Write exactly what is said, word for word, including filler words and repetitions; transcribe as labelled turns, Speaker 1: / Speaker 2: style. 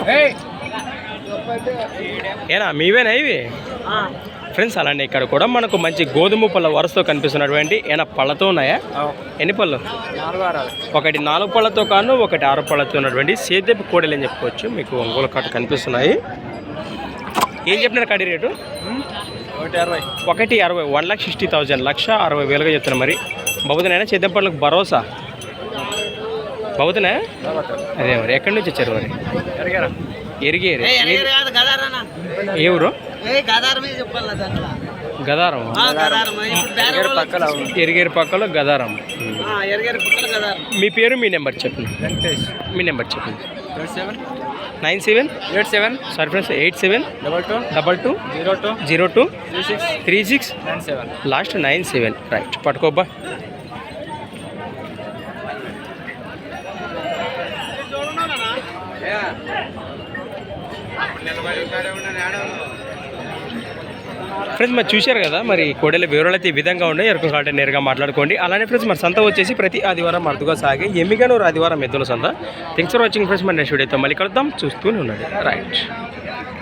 Speaker 1: ఏనా మీవేనా ఇవి ఫ్రెండ్స్? అలానే ఇక్కడ కూడా మనకు మంచి గోధుమ పళ్ళ వరుసతో కనిపిస్తున్నటువంటి ఏమైనా పళ్ళతో ఉన్నాయా? ఎన్ని పళ్ళు? ఒకటి నాలుగు పళ్ళతో కాను, ఒకటి ఆరు పళ్ళతో ఉన్నటువంటి సేద్యపు కోడలు అని చెప్పుకోవచ్చు. మీకు ఒంగోలు కట్ట కనిపిస్తున్నాయి. ఏం చెప్పినారు కడి రేటు? ఒకటి అరవై వన్ లాక్ సిక్స్టీ థౌజండ్ లక్ష అరవై వేలుగా చెప్తున్నా. మరి బాబుతున్నాయా సేద్యం పళ్ళకు భరోసా? బాబుతున్నాయా? అదే మరి ఎక్కడి నుంచి వచ్చారు మరి? ఎరిగేరు. ఏ ఊరు? గదారం. ఎరిగేరు పక్కలో గదారం. మీ పేరు మీ నెంబర్ చెప్పండి. మీ నెంబర్ చెప్పండి. Nine seven eight seven sorry friends eight seven double two double two zero two zero two three six three six nine seven last nine seven right. పట్టుకోబ్బా. ఫ్రెండ్స్ మరి చూశారు కదా, మరి కోడెల వివరాలు అయితే ఈ విధంగా ఉన్నాయి. ఎరుకు కావాలంటే నేరుగా మాట్లాడుకోండి. అలానే ఫ్రెండ్స్ మరి సంత వచ్చేసి ప్రతి ఆదివారం అరుదుగా సాగే ఎమ్మిగానూరు ఆదివారం ఎద్దుల సంత. Thanks for watching friends. మరి నెక్స్ట్ వీడియోతో మళ్ళీ కలుద్దాం. చూస్తూనే ఉండండి. రైట్.